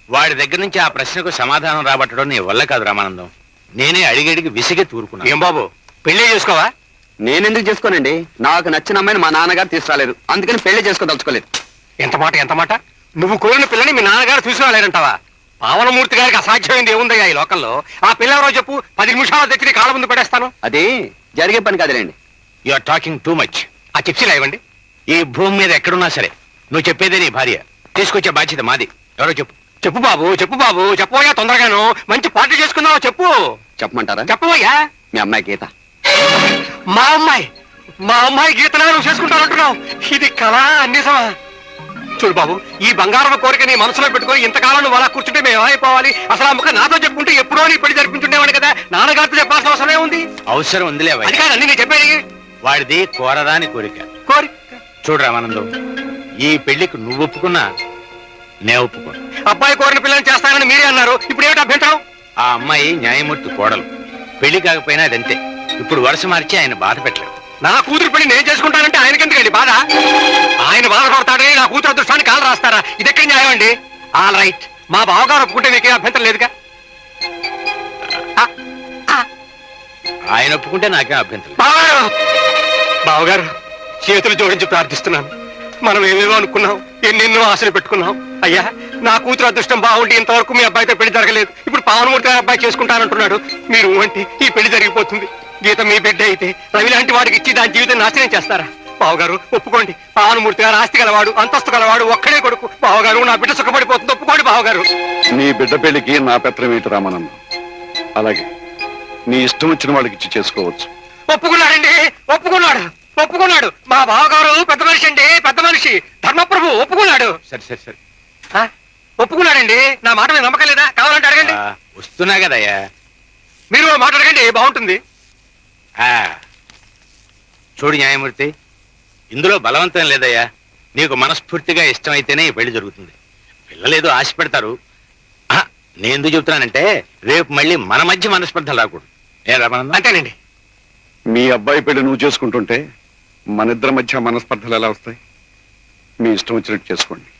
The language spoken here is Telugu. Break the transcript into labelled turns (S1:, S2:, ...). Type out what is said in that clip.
S1: వాడి దగ్గర నుంచి ఆ ప్రశ్నకు సమాధానం రాబట్టడం నీ వల్ల కాదు రామానందం. నేనే అడిగడిగి విసిగే తూరుకున్నా.
S2: ఏం బాబు పెళ్లి చేసుకోవా?
S3: నేనెందుకు చేసుకోనండి? నాకు నచ్చిన అమ్మాయిని మా నాన్నగారు తీసుకురాలేదు, అందుకని పెళ్లి చేసుకోదలుచుకోలేదు.
S2: ఎంత మాట నువ్వు కోరిన పిల్లని మీ నాన్నగారు తీసుకురాలేరంటావా? పావనమూర్తి గారికి అసాధ్యమైంది ఏముందయ్యా ఈ లోకంలో? ఆ పిల్ల ఎవరో చెప్పు, 10 నిమిషాలు తెచ్చి కాళ్ళ ముందు పడేస్తాను.
S3: అది జరిగే పని కాదులేండి.
S1: You are talking too much.
S2: ఆ చిప్సీలు ఇవ్వండి.
S1: ఈ భూమి మీద ఎక్కడున్నా సరే నువ్వు చెప్పేదే నీ భార్య. తీసుకొచ్చే బాధ్యత మాది. ఎవరో చెప్పు.
S2: చెప్పు బాబు చెప్పబోయా, తొందరగాను మంచి పార్టీ చేసుకుందావా చెప్పు.
S3: చెప్పమంటారా?
S2: చెప్పబోయా.
S3: మీ అమ్మాయి గీత.
S2: మా అమ్మాయి గీతనా నువ్వు చేసుకుంటానంటున్నావు? ఇది కళా నిజమా? చూడు బాబు, ఈ బంగారం కోరిక నీ మనసులో పెట్టుకొని ఇంతకాలం నువ్వు అలా కూర్చుంటే మేము ఏమైపోవాలి? అసలు ఆ ముఖం నాతో చెప్పుకుంటే ఎప్పుడో నీ పెళ్లి జరిపించుండేవాడు కదా. నాన్నగారితో చెప్పాల్సిన అవసరమే ఉంది.
S1: అవసరం ఉందిలే.
S2: అది కాదు అన్ని నేను చెప్పేది.
S1: వాడిది కోరదాని కోరిక. చూడు రామానందం, ఈ పెళ్లికి నువ్వు ఒప్పుకున్నా నే ఒప్పుకోను.
S2: అబ్బాయి కోరిన పిల్లని చేస్తానని మీరే అన్నారు, ఇప్పుడు ఏమిటి అభ్యంతరం?
S1: ఆ అమ్మాయి న్యాయమూర్తి కోడలు. పెళ్లి కాకపోయినా అదంతే. ఇప్పుడు వరుస మార్చి ఆయన బాధ పెట్టలేదు.
S2: నా కూతురు పెళ్లి నేను చేసుకుంటానంటే ఆయనకెందుకండి బాధ? ఆయన బాధపడతాడని నా కూతురు అదృష్టాన్ని కాలు రాస్తారా? ఇది ఎక్కడ న్యాయం అండి? ఆల్ రైట్, మా బావగారు ఒప్పుకుంటే మీకే అభ్యంతరం లేదుగా.
S1: ఆయన ఒప్పుకుంటే నాకేం అభ్యంతరం.
S2: బావగారు చేతులు జోడించి ప్రార్థిస్తున్నాను. మనం ఏమేమో అనుకున్నాం, ఎన్నెన్నో ఆశలు పెట్టుకున్నాం. అయ్యా, నా కూతురు అదృష్టం బాగుండి ఇంతవరకు మీ అబ్బాయితో పెళ్లి జరగలేదు. ఇప్పుడు పావనమూర్తి గారి అబ్బాయి చేసుకుంటానంటున్నాడు. మీరు అంటే ఈ పెళ్లి జరిగిపోతుంది. గీత మీ బిడ్డ అయితే రవి లాంటి వాడికి ఇచ్చి దాని జీవితం నాశనం చేస్తారా? బావగారు ఒప్పుకోండి. పావనమూర్తి గారు ఆస్తి గలవాడు, అంతస్తు గలవాడు, ఒక్కడే కొడుకు. బావగారు నా బిడ్డ సుఖపడిపోతుంది, ఒప్పుకోండి బావగారు.
S4: నీ బిడ్డ పెళ్లికి నా పెత్రం ఏంటి రామానందం? అలాగే నీ ఇష్టం వచ్చిన వాళ్ళకి ఇచ్చి చేసుకోవచ్చు.
S2: ఒప్పుకున్నాడండి, ఒప్పుకున్నాడు. మా బావగారు పెద్ద మనిషి అండి, పెద్ద మనిషి, ధర్మప్రభు ఒప్పుకున్నాడు.
S1: సరే
S2: ఒప్పుకున్నాడండి. నా మాట మీద నమ్మకం లేదా? కావాలంటే అడగండి.
S1: వస్తున్నా కదయ్యా.
S2: మీరు మాట అడగండి, బాగుంటుంది.
S1: చూడు న్యాయమూర్తి, ఇందులో బలవంతం లేదయ్యా. నీకు మనస్ఫూర్తిగా ఇష్టమైతేనే ఈ పెళ్లి జరుగుతుంది. పిల్లలేదో ఆశ పెడతారు. నేను ఎందుకు చెబుతున్నానంటే రేపు మళ్ళీ మన మధ్య మనస్పర్ధలు రాకూడదు. ఏ రామానందం?
S2: అంతేనండి.
S4: మీ అబ్బాయి పెళ్లి నువ్వు చేసుకుంటుంటే మన ఇద్దరి మధ్య మనస్పర్ధలు ఎలా వస్తాయి? మీ ఇష్టం వచ్చినట్టు చేసుకోండి.